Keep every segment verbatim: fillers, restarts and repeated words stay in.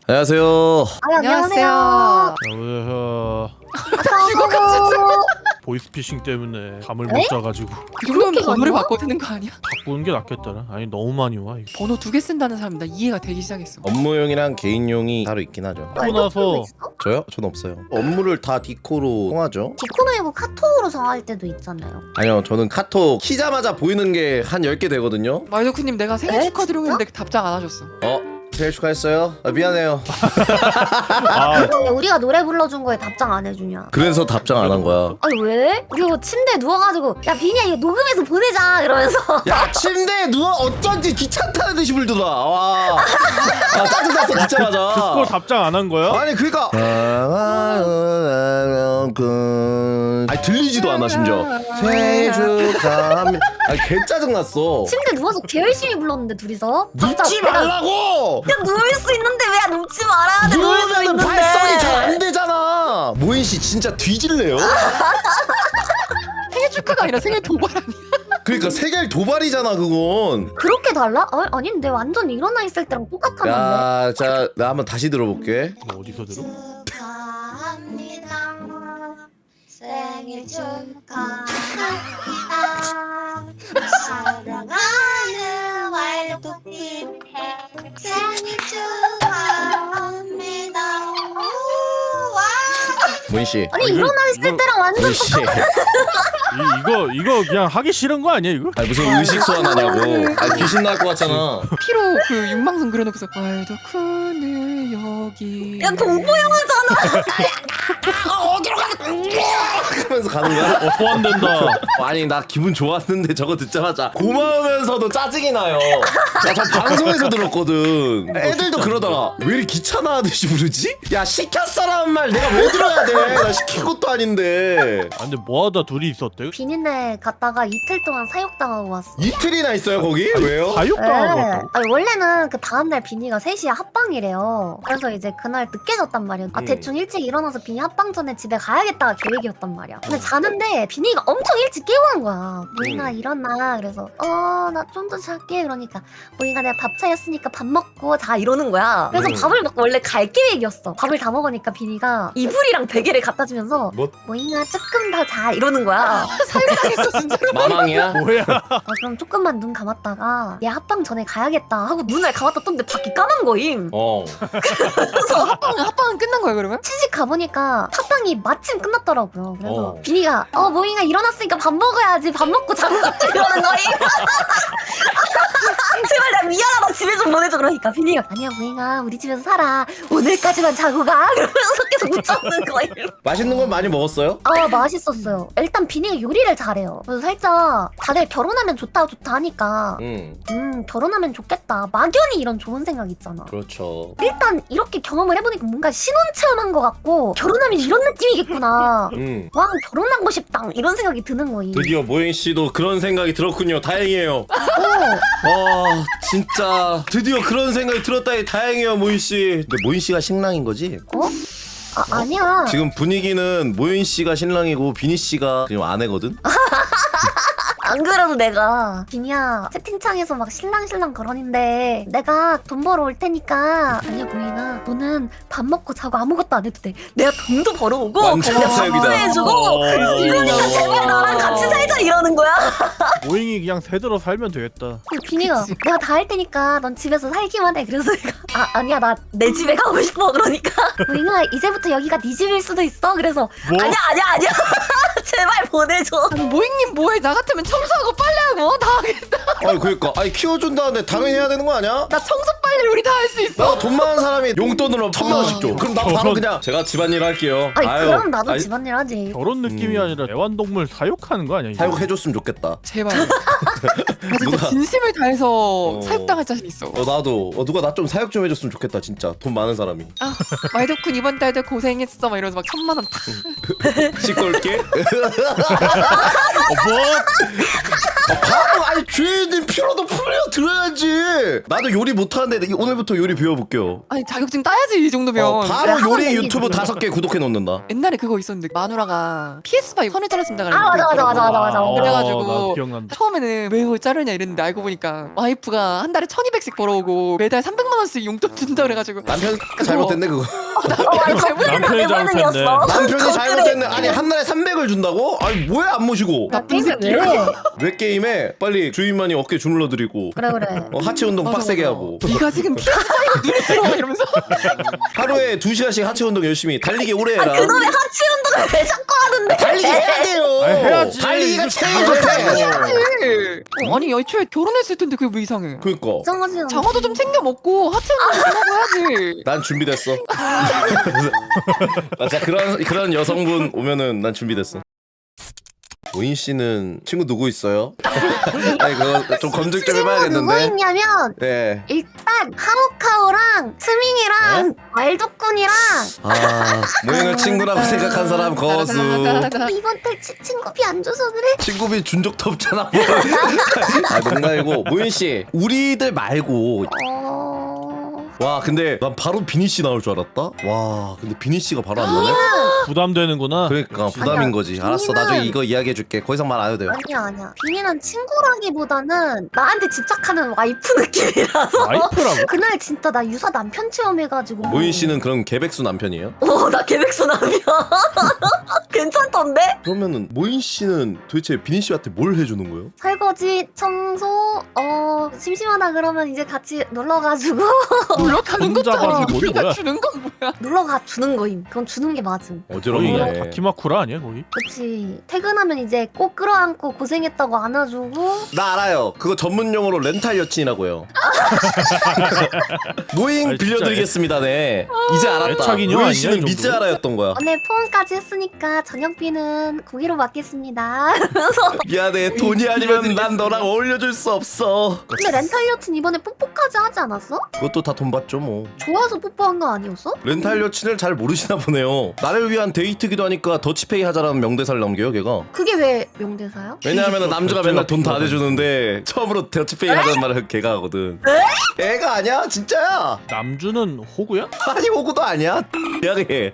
안녕하세요. 아, 안녕하세요. 안녕하세요. 안녕하세요. 보이스피싱 때문에 잠을 에? 못 자가지고 그 정도면 그렇게 번호를 많나? 바꿔야 되는 거 아니야? 바꾸는 게 낫겠더라. 아니 너무 많이 와 이거. 번호 두 개 쓴다는 사람 나 이해가 되기 시작했어. 업무용이랑 개인용이 따로 있긴 하죠. 하고 나서 저요? 전 없어요. 업무를 다 디코로 통하죠. 디코 말고 카톡으로 정할 때도 있잖아요. 아니요, 저는 카톡 키자마자 보이는 게 한 열 개 되거든요. 마이도크님 내가 생일 에? 축하드리고 했는데 답장 안 하셨어. 어? 생일 축하했어요? 아, 미안해요. 아 왜 우리가 노래 불러준 거에 답장 안 해주냐? 그래서 답장 안 한 거야. 아니 왜? 우리가 침대에 누워가지고 야 비니야 이거 녹음해서 보내자 이러면서 야, 침대에 누워 어쩐지 귀찮다는 듯이 물더라. 와. 아, 짜증났어 듣자마자. 듣고 답장 안 한 거야? 아니 그니까 아니 들리지도 않아 심지어. 생일 축하합니다. 아니 개 짜증났어. 침대 누워서 개 열심히 불렀는데 둘이서 눕지 말라고. 그냥 누울 수 있는데 왜 눕지 말아야 돼? 누울 수 누우면 있는데 발성이 잘 안 되잖아. 모인 씨 진짜 뒤질래요? 생일 축하가 아니라 생일 도발 아니야? 그러니까 세겔 도발이잖아 그건. 그렇게 달라? 아, 아닌데 완전 일어나 있을 때랑 똑같았는데. 야, 자, 나 한번 다시 들어볼게. 이거 어디서 들어? 축하합니다. 생일 축하합니다. 사랑하는 왈도님 생일 축하합니다. 우와. 모인 씨. 아니 이거- 일어나 있을 이거- 때랑 완전 모인 씨. 이, 이거 이거 그냥 하기 싫은 거 아니야 이거? 아니 무슨 의식 소환하냐고. 아 귀신 나올 것 같잖아. 피로 그 육망성 그려놓고서 마이도크는 여기. 야 동포 영화잖아. 하면서 가는 거야? 어 소환된다. 아니 나 기분 좋았는데 저거 듣자마자 고마우면서도 짜증이 나요. 나 저 방송에서 들었거든. 애들도 그러더라. 왜 이렇게 귀찮아하듯이 부르지? 야 시켰어라는 말 내가 왜 들어야 돼? 나 시킨 것도 아닌데. 아 근데 뭐하다 둘이 있었대? 비린내 갔다가 이틀 동안 사육당하고 왔어. 이틀이나 있어요 거기? 왜요? 사육당한 네. 것도. 아니 원래는 그 다음날 비니가 세 시에 합방이래요. 그래서 이제 그날 늦게 잤단 말이야. 아 음. 대충 일찍 일어나서 비니 합방 전에 집에 가야겠다 계획이었단 말이야. 근데 자는데 비니가 엄청 일찍 깨우는 거야. 모잉아 음. 일어나. 그래서 어 나 좀 더 잘게. 그러니까 모잉아 내가 밥 차렸으니까 밥 먹고 자 이러는 거야. 그래서 음. 밥을 먹고 원래 갈 계획이었어. 밥을 다 먹으니까 비니가 이불이랑 베개를 갖다 주면서 뭐? 모잉아 조금 더 자 이러는 거야. 사육당했어 진짜로. 마망이야? 뭐야? 아 그럼 조금만 눈 감았다가 얘 합방 전에 가야겠다 하고 눈을 감았다 떴는데 밖이 까만 거임. 어. 그래서 합방 합방은 끝난 거야 그러면? 시집 가보니까 합방이 마침 끝났더라고요. 그래서 어. 비니가 어 모잉아 일어났으니까 밥 먹어야지 밥 먹고 자고 가자 이러는 거임. 제발 나 미안하다 집에 좀 보내줘. 그러니까 비니가 아니야 모잉아 우리 집에서 살아 오늘까지만 자고 가 그러면서 계속 웃자는 거임. 맛있는 건 많이 먹었어요? 아 맛있었어요. 일단 비니가 요리를 잘해요. 그래서 살짝 다들 결혼하면 좋다 좋다 하니까 응. 음 결혼하면 좋겠다 막연히 이런 좋은 생각 있잖아. 그렇죠. 일단 이렇게 경험을 해보니까 뭔가 신혼 체험한 것 같고 결혼하면 이런 느낌이겠구나. 응. 와 결혼하고 싶다 이런 생각이 드는 거임. 드디어 모인 씨도 그런 생각이 들었군요. 다행이에요. 어, 와 진짜 드디어 그런 생각이 들었다니 다행이에요 모인 씨. 근데 모인 씨가 신랑인 거지? 어? 아 아니야. 지금 분위기는 모인 씨가 신랑이고 비니 씨가 지금 아내거든. 안 그래도 내가 비니야 채팅창에서 막 신랑신랑 거론인데 내가 돈 벌어 올 테니까 아니야 보이나 너는 밥 먹고 자고 아무것도 안 해도 돼. 내가 돈도 벌어오고 완전 내가 사역이다. 밥도 해주고 어. 이러니까 제발 나랑 같이 살자 이러는 거야. 모잉이 그냥 새들어 살면 되겠다. 근데 비니가 내가 다 할 테니까 넌 집에서 살기만 해. 그래서 내가 아 아니야 나 내 집에 가고 싶어. 그러니까 보이나 이제부터 여기가 네 집일 수도 있어. 그래서 뭐? 아니야 아니야 아니야 제발 보내줘. 아니 모잉님 뭐해? 나 같으면 청소하고 빨래하고 다 하겠다. 아니 그러니까 아니 키워준다는데 당연히 해야 되는 거 아니야? 나 청소 빨래 우리 다 할 수 있어. 나 돈 많은 사람이 용돈으로 천만 원씩 줘. 그럼 나 바로 그냥 제가 집안일 할게요. 아니 아유, 그럼 나도 아니, 집안일 하지. 결혼 느낌이 음. 아니라 애완동물 사육하는 거 아니야? 이거? 사육해줬으면 좋겠다. 제발. 나 진짜 누가- 진심을 다해서 어. 사육당할 자신 있어. 어 나도 어, 누가 나 좀 사육 좀 해줬으면 좋겠다 진짜. 돈 많은 사람이. 아 마이도쿤 이번 달도 고생했어 막 이러면서 막 천만 원 탁. 씻고 올게. 어, 뭐? 바보 아니 죄인 피로도 풀려 들어야지. 나도 요리 못하는데 근데 오늘부터 요리 배워볼게요. 아니 자격증 따야지 이 정도면. 어, 바로 그래, 요리 하면 유튜브 다섯 개 구독해 놓는다. 옛날에 그거 있었는데 마누라가 피에스오 선을 자르신다 아 맞아 맞아 맞아 맞아 맞아. 어, 그래가지고 나 기억난다. 처음에는 왜 이걸 자르냐 이랬는데 알고 보니까 와이프가 한 달에 천이백씩 벌어오고 매달 삼백만 원씩 용돈 준다 그래가지고 남편 잘못됐네 그거. 남편이 잘못했네. 남편이 잘못됐네. 아니 한 달에 삼백을 준다고? 아니 뭐야 안 모시고? 나쁜 새끼. 왜? 왜 게임에 빨리 주인만이 어깨 주물러드리고 그래 그래. 어, 하체 운동 맞아, 빡세게 맞아. 하고 네가 지금 피에스오 눈에 들어와 이러면서 하루에 두 시간씩 하체 운동 열심히 달리기 오래 해라. 그놈의 하체 운동을 왜 자꾸 하는데? 달리기 해야 돼요. 아니, 해야지. 달리기가 이거 제일 잘못해. 좋대. 어, 아니 애초에 결혼했을 텐데 그게 왜 이상해. 그니까 이상하지 않아. 장어도 좀 챙겨 먹고 하체 운동 좀 하고 해야지. 난 준비됐어. 아, 자 그런 그런 여성분 오면은 난 준비됐어. 모인 씨는 친구 누구 있어요? 아니 그거 좀 검증 좀 친구 누구 해봐야겠는데. 있냐면 네. 일단 하모카오랑 스밍이랑 말도꾼이랑 아 모인을 친구라고 생각한 사람 거수. 이번 달 치- 친구비 안 줘서 그래? 친구비 준 적도 없잖아. 뭐. 아 농담이고 모인 씨 우리들 말고. 어... 와 근데 난 바로 비니 씨 나올 줄 알았다. 와 근데 비니 씨가 바로 안 나네. 부담되는구나. 그러니까 부담인 아니야, 거지. 알았어 비니는- 나중에 이거 이야기해줄게. 더 이상 말 안 해도 돼요. 아니야 아니야. 비니는 친구라기보다는 나한테 집착하는 와이프 느낌이라서 와이프라고? 그날 진짜 나 유사 남편 체험해가지고 모인 씨는 그럼 개백수 남편이에요? 어나 계백수 남이야. 괜찮던데? 그러면은 모인 씨는 도대체 비니 씨한테 뭘 해주는 거예요? 설거지, 청소, 어 심심하다 그러면 이제 같이 놀러가지고 놀러 가는 혼자 것도 가지고 아니고 우리가 뭐야? 주는 건 뭐야? 놀러가 주는 거임. 그건 주는 게 맞음. 거의 어지럽네. 다키마쿠라 아니야 거기? 그치. 퇴근하면 이제 꼭 끌어안고 고생했다고 안아주고. 나 알아요. 그거 전문 용어로 렌탈 여친이라고 해요. 모잉 아니, 진짜 빌려드리겠습니다네. 이제 알았다. 애착인형 모잉 아니냐, 씨는 이 미즈 정도면? 알아였던 거야. 오늘 포옹까지 했으니까 저녁비는 고기로 받겠습니다. 그래서 미안해. 돈이 아니면 난 너랑 어울려줄 수 없어. 근데 렌탈 여친 이번에 뽀뽀까지 하지 않았어? 그것도 다 돈 받죠 뭐. 좋아서 뽀뽀한 거 아니었어? 렌탈 여친을 잘 모르시나 보네요. 나를 위한 데이트기도 하니까 더치페이 하자라는 명대사를 남겨요 걔가. 그게 왜 명대사요? 왜냐하면 남주가 맨날 돈 다 결제가 내주는데 처음으로 더치페이 하자는 말을 걔가 하거든. 애가 아니야 진짜야. 남주는 호구야? 아니 오고도 아니야. 미안해.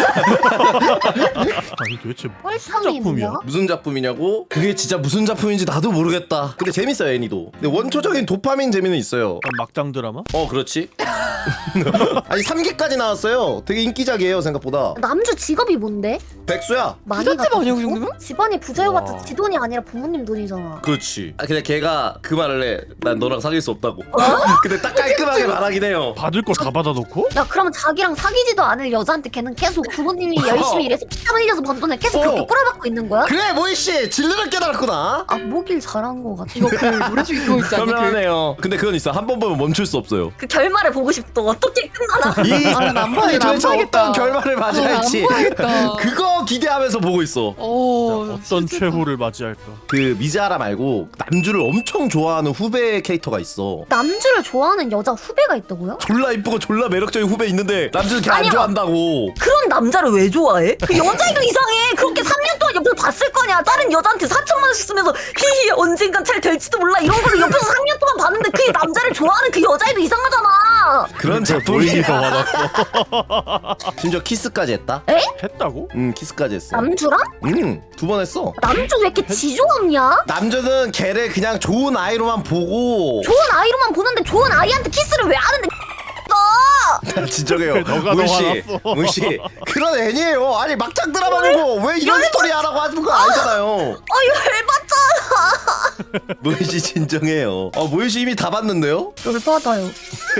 아니 도대체 무슨 뻘성이 작품이야? 뭐야? 무슨 작품이냐고? 그게 진짜 무슨 작품인지 나도 모르겠다. 근데 재밌어요 애니도. 근데 원초적인 도파민 재미는 있어요. 약간 막장 드라마? 어 그렇지. 아니 삼 기까지 나왔어요. 되게 인기작이에요 생각보다. 남주 직업이 뭔데? 백수야. 많이 부잣집 갖다 아니야, 그 줬어? 정도면? 집안이 부자여봤자 와. 지 돈이 아니라 부모님 돈이잖아. 그렇지. 아 근데 걔가 그 말을 해. 난 너랑 사귈 수 없다고. 근데 딱 깔끔하게 말하긴 해요. 받을 걸 다 받아놓고? 야 그러면 자기랑 사귀지도 않을 여자한테 걔는 계속 부모님이 열심히 일해서 피땀 흘려서 번 돈을 계속 그렇게 어. 꼬라박고 있는 거야? 그래 모이 씨 진리를 깨달았구나. 아 뭐길 잘한 거 같아. 이거 그 노래 중에 그거 있지 않니? 그 현명하네요. 근데 그건 있어. 한 번 보면 멈출 수 없어요. 그 결말을 보고 싶다. 어떻게 끝나나? 이 아, 난안 아니 봐야겠다, 안 도대체 봐야겠다. 어떤 결말을 맞이할지 안 봐야겠다. 그거 기대하면서 보고 있어. 어, 어떤 진짜. 최후를 맞이할까? 그 미즈하라 말고 남주를 엄청 좋아하는 후배 캐릭터가 있어. 남주를 좋아하는 여자 후배가 있다고요? 졸라 이쁘고 졸라 매력적인 후배 있는데 남주는 걔 안 아니요. 좋아한다고. 그런 남자를 왜 좋아해? 그 여자애가 이상해. 그렇게 삼 년 동안 옆에서 봤을 거냐. 다른 여자한테 사천만 원씩 쓰면서 히히 언젠간 잘 될지도 몰라 이런 거를 옆에서 삼 년 동안 봤는데 그 남자를 좋아하는 그 여자애도 이상하잖아. 그런 모임이 더 작품이야. 화났어. 심지어 키스까지 했다. 했다고? 응 키스까지 했어. 남주랑? 응두 번 했어. 남주 왜 이렇게 지조없냐? 남주는 걔를 그냥 좋은 아이로만 보고. 좋은 아이로만 보는데 좋은 아이한테 키스를 왜 하는데? 너! 진정해요. 너가 문 더 씨, 화났어. 문 씨. 그런 애니에요. 아니 막장 드라마고 왜 이런 스토리 하라고 하는 거 아니잖아요. 아 열받잖아. 문 씨 진정해요. 어, 문 씨 이미 다 봤는데요? 열받아요.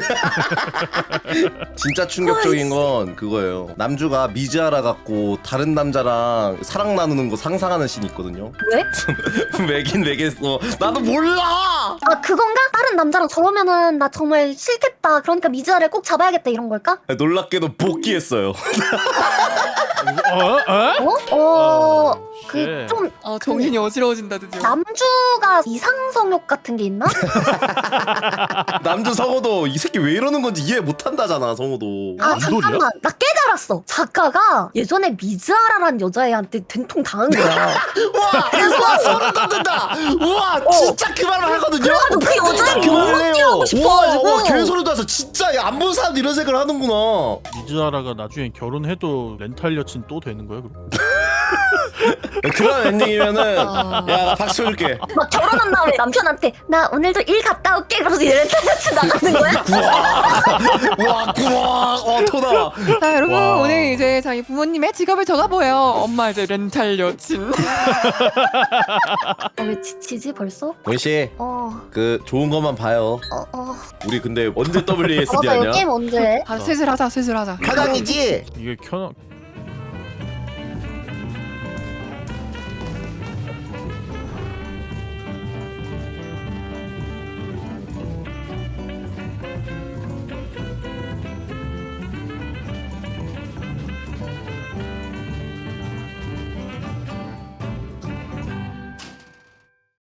진짜 충격적인 건 그거예요. 남주가 미즈하라 갖고 다른 남자랑 사랑 나누는 거 상상하는 씬이 있거든요. 왜? 왜긴 왜겠어. 나도 몰라. 아 그건가? 다른 남자랑 저러면은 나 정말 싫겠다. 그러니까 미즈아를 꼭 잡아야겠다 이런 걸까? 놀랍게도 복귀했어요. 어? 어? 어? 어... 쉣. 그 좀 아 정신이 어지러워진다 드디어. 남주가 이상성욕 같은 게 있나? 남주 성호도 이 새끼 왜 이러는 건지 이해 못 한다잖아 성호도. 아 뭔 소리야? 잠깐만 나 깨달았어. 알았어. 작가가 예전에 미즈아라라는 여자애한테 된통 당한 거야. 와 그래서 소름 돋는다. 우와 진짜 그 말을 하거든요. 그래가지고 그 여자애 그 말을 결혼하고 해요. 싶어가지고. 와, 와 개소리 돋아서 진짜 안 본 사람도 이런 생각을 하는구나. 미즈하라가 나중에 결혼해도 렌탈 여친 또 되는 거야 그럼? 그런 엔딩이면은 아. 야 나 박수 줄게. 막 결혼한 다음에 남편한테 나 오늘도 일 갔다 올게 그러면서 렌탈 여친 나가는 거야? 와 구와 어 토나. 자 여러분 와. 오늘 이제 저희 부모님의 직업을 적어보여. 엄마 이제 렌탈 여친. 어, 왜 지치지 벌써? 원씨 어, 그 좋은 것만 봐요. 어, 어. 우리 근데 언제 더블유에스디 맞아, 이 하냐? 게임 언제 해? 아 슬슬 하자 슬슬 하자. 사장이지? 이게 켜